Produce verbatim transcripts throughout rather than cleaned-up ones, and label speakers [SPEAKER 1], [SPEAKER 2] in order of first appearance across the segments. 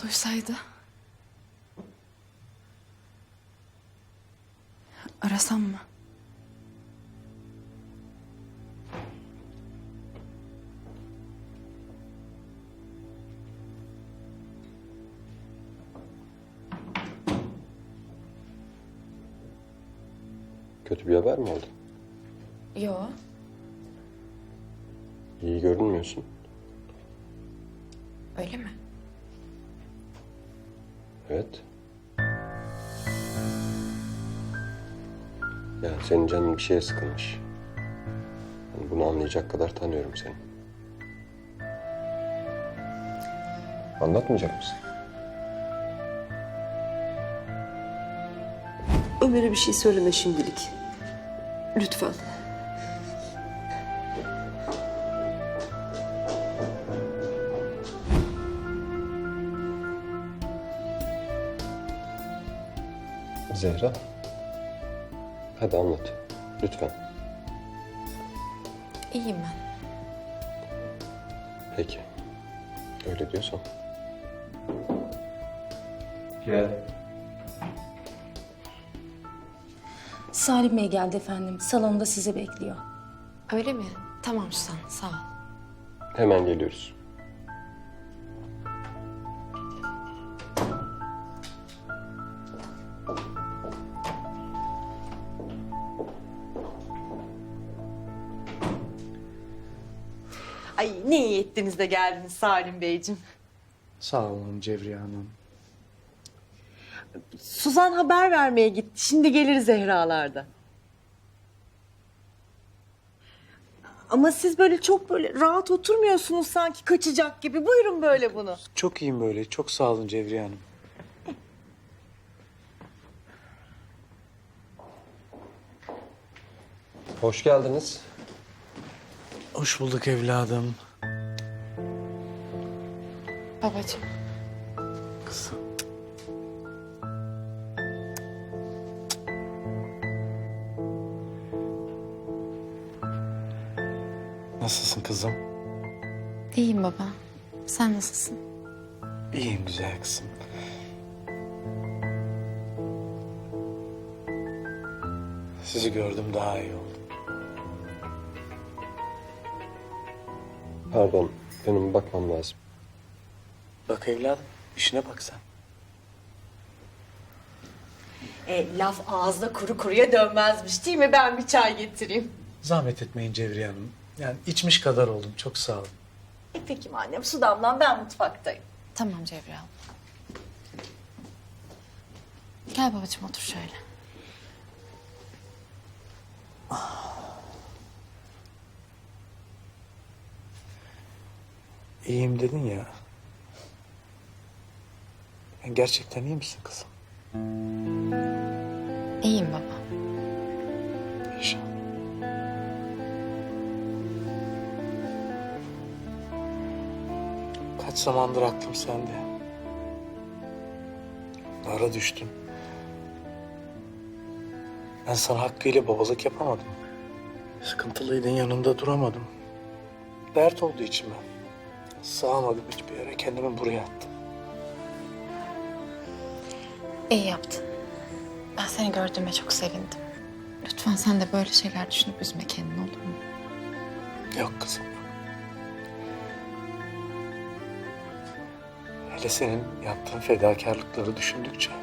[SPEAKER 1] Duysaydı. Arasam mı?
[SPEAKER 2] Kötü bir haber mi oldu?
[SPEAKER 1] Yo.
[SPEAKER 2] İyi görünmüyorsun.
[SPEAKER 1] Öyle mi?
[SPEAKER 2] Evet. Ya senin canın bir şeye sıkılmış. Yani bunu anlayacak kadar tanıyorum seni. Anlatmayacak mısın?
[SPEAKER 3] Ömer'e bir şey söyleme şimdilik. Lütfen.
[SPEAKER 2] Zehra. Hadi anlat. Lütfen.
[SPEAKER 1] İyiyim ben.
[SPEAKER 2] Peki. Öyle diyorsan.
[SPEAKER 4] Gel.
[SPEAKER 5] Salim Bey geldi efendim. Salonda sizi bekliyor.
[SPEAKER 1] Öyle mi? Tamam Suzan, sağ ol.
[SPEAKER 2] Hemen geliyoruz.
[SPEAKER 6] Ay ne iyi ettiniz de geldiniz Salim Beyciğim.
[SPEAKER 4] Sağ olun Cevriye Hanım.
[SPEAKER 6] Suzan haber vermeye gitti. Şimdi gelir Zehra'larda. Ama siz böyle çok böyle rahat oturmuyorsunuz sanki kaçacak gibi. Buyurun böyle bunu.
[SPEAKER 4] Çok iyiyim böyle. Çok sağ olun Cevriye Hanım.
[SPEAKER 2] Hoş geldiniz.
[SPEAKER 4] Hoş bulduk evladım.
[SPEAKER 1] Babacığım.
[SPEAKER 4] Kızım. Nasılsın kızım?
[SPEAKER 1] İyiyim baba. Sen nasılsın?
[SPEAKER 4] İyiyim güzel kızım. Sizi gördüm daha iyi oldum.
[SPEAKER 2] Pardon. Benim bakmam lazım.
[SPEAKER 4] Bak evladım, işine bak sen.
[SPEAKER 6] E, laf ağızda kuru kuruya dönmezmiş değil mi? Ben bir çay getireyim.
[SPEAKER 4] Zahmet etmeyin Cevriye Hanım. Yani içmiş kadar oldum. Çok sağ olun.
[SPEAKER 6] E peki annem su damlan ben mutfaktayım.
[SPEAKER 1] Tamam Cevriye abla. Gel babacığım otur şöyle.
[SPEAKER 4] İyiyim dedin ya. Yani gerçekten iyi misin kızım?
[SPEAKER 1] İyiyim baba.
[SPEAKER 4] İnşallah. Kaç zamandır aklım sende. Ara düştüm. Ben sana hakkıyla babalık yapamadım. Sıkıntılıydın, yanında duramadım. Dert oldu içime. Sığamadım hiçbir yere, kendimi buraya attım.
[SPEAKER 1] İyi yaptın. Ben seni gördüğüme çok sevindim. Lütfen sen de böyle şeyler düşünüp üzme kendini, olur mu?
[SPEAKER 4] Yok kızım, yok. Hele senin yaptığın fedakarlıkları düşündükçe...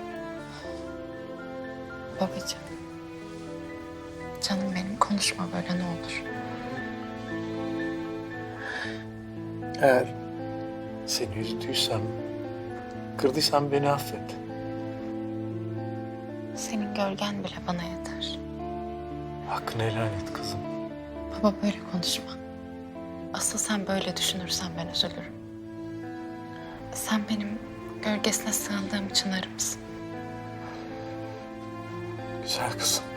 [SPEAKER 1] Babacığım. Canım benim, konuşma böyle ne olur.
[SPEAKER 4] Eğer seni üzdüysem, kırdıysam beni affet.
[SPEAKER 1] Senin gölgen bile bana yeter.
[SPEAKER 4] Hakkını helal et kızım.
[SPEAKER 1] Baba böyle konuşma. Asıl sen böyle düşünürsen ben üzülürüm. Sen benim gölgesine sığındığım çınarımsın.
[SPEAKER 4] Güzel kızım.